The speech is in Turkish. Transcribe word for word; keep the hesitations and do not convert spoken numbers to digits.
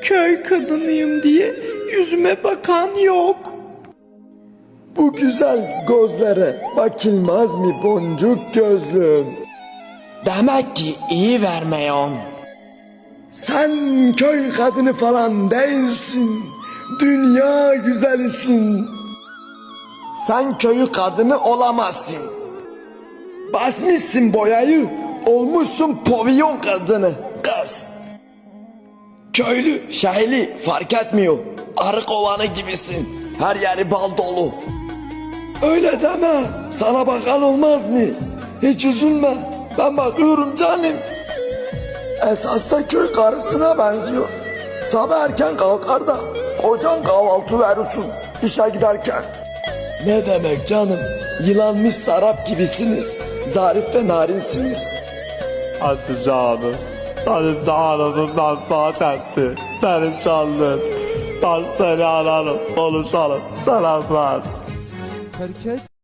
Köy kadınıyım diye yüzüme bakan yok. Bu güzel gözlere bakılmaz mı boncuk gözlüm? Demek ki iyi vermeyon. Sen köy kadını falan değilsin. Dünya güzelisin. Sen köyü kadını olamazsın. Basmışsın boyayı, olmuşsun pavyon kadını. Kız. Köylü, şehirli fark etmiyor. Arı kovanı gibisin. Her yeri bal dolu. Öyle deme, sana bakan olmaz mı? Hiç üzülme, ben bakıyorum canım. Esas da köy karısına benziyor. Sabah erken kalkar da kocan kahvaltı verirsin işe giderken. Ne demek canım? Yılanmış sarap gibisiniz. Zarif ve narinsiniz. Hadi canım. Benim de hanımımdan saat etti. Benim canım. Ben seni ararım. Konuşalım. Selamlar.